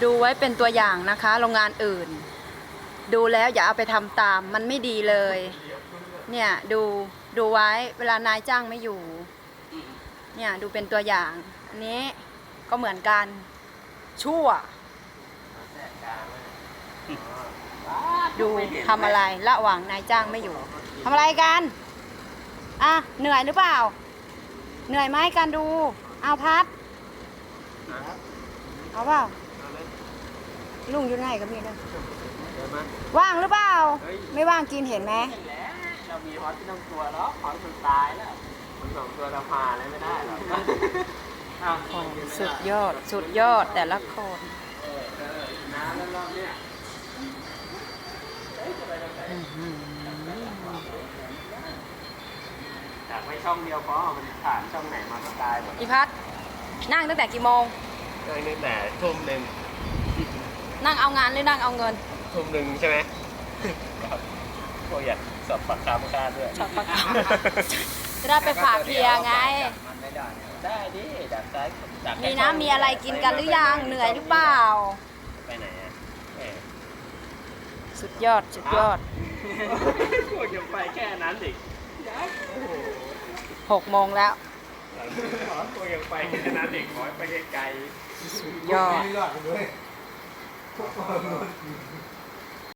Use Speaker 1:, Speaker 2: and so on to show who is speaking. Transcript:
Speaker 1: ดูไว้เป็นตัวอย่างนะคะ โรงงานอื่น ดูแล้วอย่าเอาไปทำตามมันไม่ดีเลย เนี่ยดูไว้เวลานายจ้างไม่อยู่เนี่ยดูเป็นตัวอย่าง อันนี้ก็เหมือนกันชั่วดูทำอะไรระหว่างนายจ้างไม่อยู่ทำอะไรกันอ่ะเหนื่อยหรือเปล่าเหนื่อยไหมการดูเอาพัดเอาเปล่าลุงอยู่ไหนกับพี่ด้วยว่างหรือเปล่าไม่ว่างกินเห็นไหม
Speaker 2: เรามีฮอตที่ต้องกลัวแล้วฮอตมันตายแล้วมันสองตัวเราพาเลยไม่ได้หรอก
Speaker 1: สุดยอดสุดยอดแต่ละคน
Speaker 2: น้ำแล้วรอบเนี้ยจากไว้ช่องเดียวพอมันผ่านช่องไหนมาก็ตายหมด
Speaker 1: พี่พัดนั่งตั้งแต่กี่โมง
Speaker 2: นั่งตั้งแต่ทุ่มหนึ่ง
Speaker 1: นั่งเอางานหรือนั่งเอาเงิน
Speaker 2: ทุ่มหนึ่งใช่ไหมพวกอยากสอบปากคำค่าด้วย
Speaker 1: สอบปากคำจะได้ไปฝากเพียไง
Speaker 2: ได้ดิจากซ้ายจาก
Speaker 1: มีน้ำมีอะไรกินกันหรือยังเหนื่อยหรือเปล่า
Speaker 2: ไปไหนอ่ะ
Speaker 1: สุดยอดสุดยอด
Speaker 2: พวกยังไปแค่นั้นอีก
Speaker 1: 6 โมงแล้ว
Speaker 2: พวกยังไปแค่นั้นอีกขอไปไกล
Speaker 1: สุดยอด